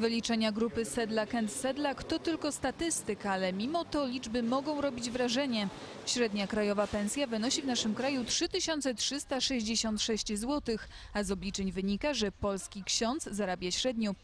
Wyliczenia grupy Sedlak & Sedlak to tylko statystyka, ale mimo to liczby mogą robić wrażenie. Średnia krajowa pensja wynosi w naszym kraju 3366 zł, a z obliczeń wynika, że polski ksiądz zarabia średnio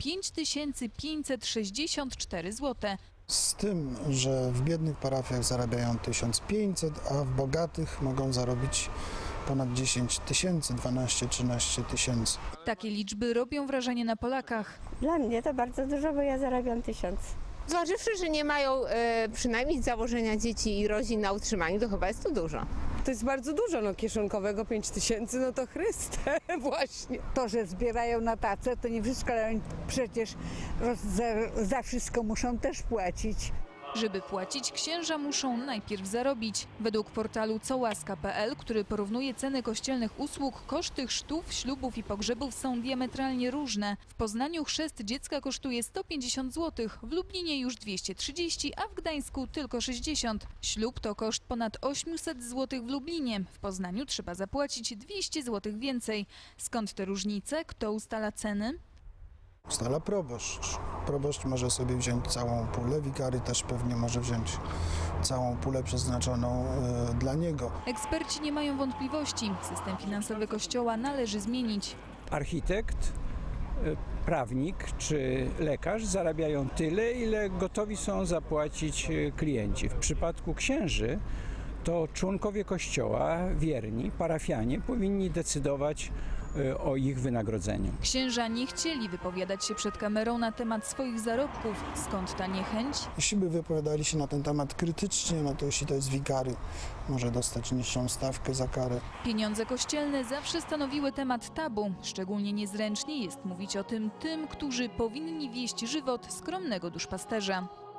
5564 zł. Z tym, że w biednych parafiach zarabiają 1500, a w bogatych mogą zarobić ponad 10 tysięcy, 12-13 tysięcy. Takie liczby robią wrażenie na Polakach. Dla mnie to bardzo dużo, bo ja zarabiam 1000. Zważywszy, że nie mają przynajmniej z założenia dzieci i rodzin na utrzymaniu, to chyba jest to dużo. To jest bardzo dużo, no kieszonkowego 5000, no to Chryste, właśnie. To, że zbierają na tacę, to nie wszystko, ale oni przecież za wszystko muszą też płacić. Żeby płacić, księża muszą najpierw zarobić. Według portalu cołaska.pl, który porównuje ceny kościelnych usług, koszty chrztów, ślubów i pogrzebów są diametralnie różne. W Poznaniu chrzest dziecka kosztuje 150 zł, w Lublinie już 230, a w Gdańsku tylko 60. Ślub to koszt ponad 800 zł w Lublinie. W Poznaniu trzeba zapłacić 200 zł więcej. Skąd te różnice? Kto ustala ceny? Ustala proboszcz. Proboszcz może sobie wziąć całą pulę, wikary też pewnie może wziąć całą pulę przeznaczoną dla niego. Eksperci nie mają wątpliwości. System finansowy Kościoła należy zmienić. Architekt, prawnik czy lekarz zarabiają tyle, ile gotowi są zapłacić klienci. W przypadku księży to członkowie Kościoła, wierni, parafianie powinni decydować o ich wynagrodzeniu. Księża nie chcieli wypowiadać się przed kamerą na temat swoich zarobków. Skąd ta niechęć? Jeśli by wypowiadali się na ten temat krytycznie, no to jeśli to jest wikary, może dostać niższą stawkę za karę. Pieniądze kościelne zawsze stanowiły temat tabu. Szczególnie niezręcznie jest mówić o tym, którzy powinni wieść żywot skromnego duszpasterza.